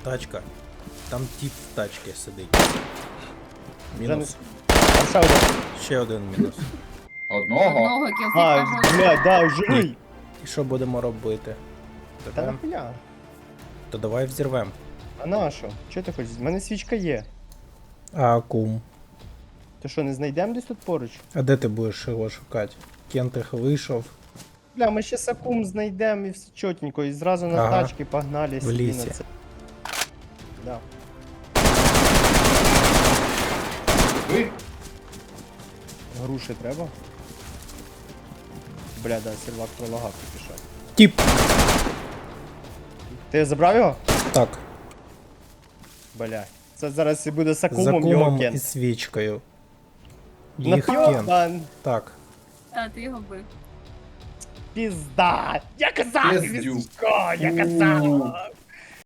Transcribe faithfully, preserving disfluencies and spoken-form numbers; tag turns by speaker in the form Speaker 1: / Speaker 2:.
Speaker 1: Тачка. Там тип в тачці сидить.
Speaker 2: Вже не...
Speaker 1: Мінус.
Speaker 2: А ще один.
Speaker 1: Ще один мінус.
Speaker 3: Одного?
Speaker 4: Одного кілфіка
Speaker 2: А,
Speaker 4: жовтого.
Speaker 2: блядь, да, живий.
Speaker 1: І що будемо робити?
Speaker 2: Та
Speaker 1: Тебе?
Speaker 2: нахуя?
Speaker 1: То давай взірвем.
Speaker 2: А на що? Чого ти хочеш? У мене свічка є.
Speaker 1: А кум?
Speaker 2: Ти що, не знайдемо десь тут поруч?
Speaker 1: А де ти будеш його шукати? Кентих вийшов
Speaker 2: Бля, ми ще сакум знайдемо і все чотенько, і зразу на
Speaker 1: Ага.
Speaker 2: тачки погнали
Speaker 1: В
Speaker 2: собі
Speaker 1: лісі.
Speaker 2: на це. Да.
Speaker 3: Ви?
Speaker 2: Груші треба. Бля, да, сервак пролагав тільки що.
Speaker 1: Тіп!
Speaker 2: Ти забрав його?
Speaker 1: Так,
Speaker 2: Бля. Це зараз і буде
Speaker 1: за
Speaker 2: сакумом його
Speaker 1: кумом і
Speaker 2: кент.
Speaker 1: свічкою. Їх кент.
Speaker 2: Нап'єбан!
Speaker 1: Так.
Speaker 4: Та, ти його бив.
Speaker 2: Пізда! Я казав,
Speaker 3: Пиздюк.
Speaker 2: Віско, я казав!